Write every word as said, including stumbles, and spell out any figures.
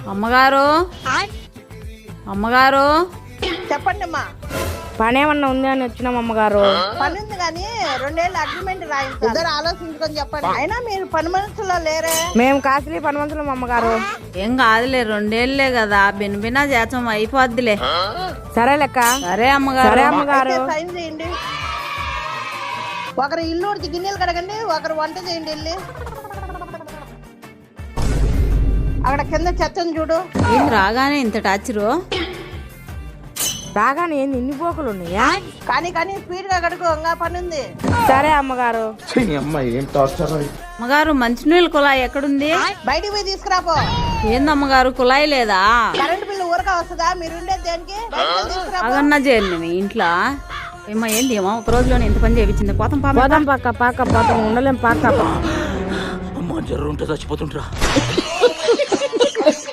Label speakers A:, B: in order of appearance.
A: అమ్మగారు అమ్మగారు
B: చెప్పండి అమ్మా.
C: పని ఏమన్నా ఉంది అని వచ్చినాం అమ్మగారు.
B: పని ఉంది కానీ రెండేళ్ళు అగ్రిమెంట్ రాయించాలి. ఇద్దరు ఆలోచించుకొని చెప్పండి. అయినా మీరు పని మనుషుల్లో లేరే.
C: మేము కాసులీ పని మనుషులం అమ్మగారు.
A: ఏం కాదులే, రెండేళ్లే కదా, బినబినా చేతం అయిపోద్దిలే.
C: సరే లెక్క.
A: సరే అమ్మగారు.
C: సరే అమ్మగారు.
B: అయితే సైన్ చేయండి. ఒకరు ఇల్లు ఉడిచి గిన్నెలు కడగండి, ఒకరు వంట చేయండి. వెళ్ళి అక్కడ కింద చెత్తను చూడు.
A: ఏం రాగానే ఇంత టాచరు?
C: రాగానే ఏంది ఇన్ని పోకులు ఉన్నాయా?
B: కానీ కానీ స్పీడ్ గా కడుకో, ఇంకా పని ఉంది.
C: సరే అమ్మగారు.
A: అమ్మగారు మంచినీళ్ళ కుళాయి ఎక్కడుంది?
B: బయటికి పోయి తీసుకురాపో.
A: ఏందమ్మగారు కుళాయి లేదా?
B: కరెంట్ బిల్లు ఊరక వస్తుందా? మీరు ఉండేది దేనికి? బయటికి పోయి తీసుకురాపో.
A: అగన్నా చేయండి మీ ఇంట్లో. ఏమో ఏంది ఏమో ఒక రోజులోనే ఇంత పని చేయించింది. పోతాం పాప.
C: పోదాం పక్క పాక పోతాం, ఉండలేం పాక.
D: అమ్మ జర్రు ఉంటే చచ్చిపోతుంటరా.